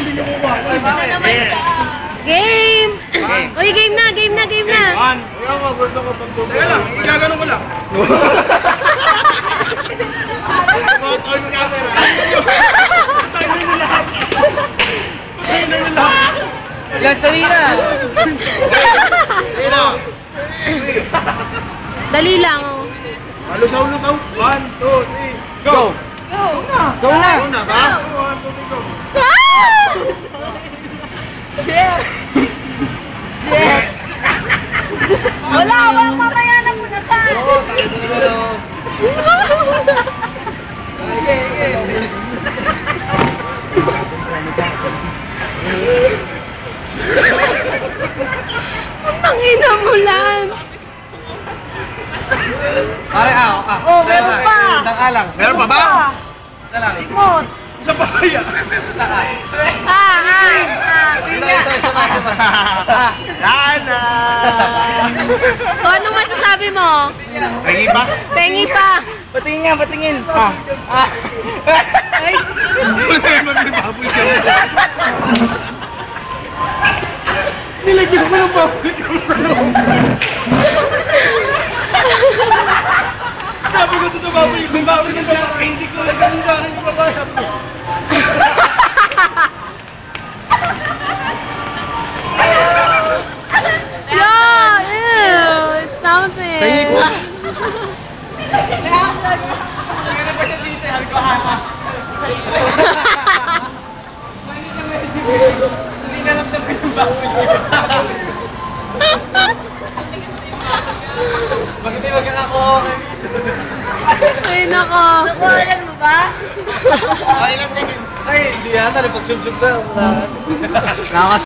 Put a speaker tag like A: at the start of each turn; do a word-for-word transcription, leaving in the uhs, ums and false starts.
A: Game! Uy, game na, game na, game na!
B: One! Teka lang, gaganon ko lang. Turn camera. Tayo na lahat. Tayo na lahat.
C: Ilang dali na.
A: Dali lang, oh.
B: Lusaw, lusaw. One, two, three, go!
A: Go!
C: Go na.
B: Go na ba? One, two, three, go.
A: Shit! Shit! Wala, walang mamaya na muna sa akin.
C: Oo, tayo na naman. Sige, sige.
A: Ang ina mo lang.
C: Pare, ah, ah.
A: Oh, meron pa.
C: Isang ka lang.
B: Meron pa ba?
C: Isa lang.
A: Remote.
B: Sa bahaya.
C: Isa ka.
A: Ah, ah, ah.
C: Ito, ito, isa pa, isa pa.
B: Yana!
A: O, anong masasabi mo?
B: Lagi ba?
A: Tengi pa.
C: Patingin nga, patingin. Ah. Ah.
A: Ay,
B: Wala yung mag-bubble ka. Nilagyan ko ng bubble ka. Sabi ko ito sa bubble ka. Bubble ka sa akin. Hindi ko nagano sa akin. Papayap mo.
A: yeah, ew, it's something.
B: Tengi pa.
C: Meron pa siya dito, sabi ko, ah. Hindi na lang naman yung bago niya. Bakit di magkakakuha kayo?
A: Ay, nako. Nakuhaan mo ba?
C: Okay lang seconds. Ay, hindi yata. Napagsubsub na. Nakakas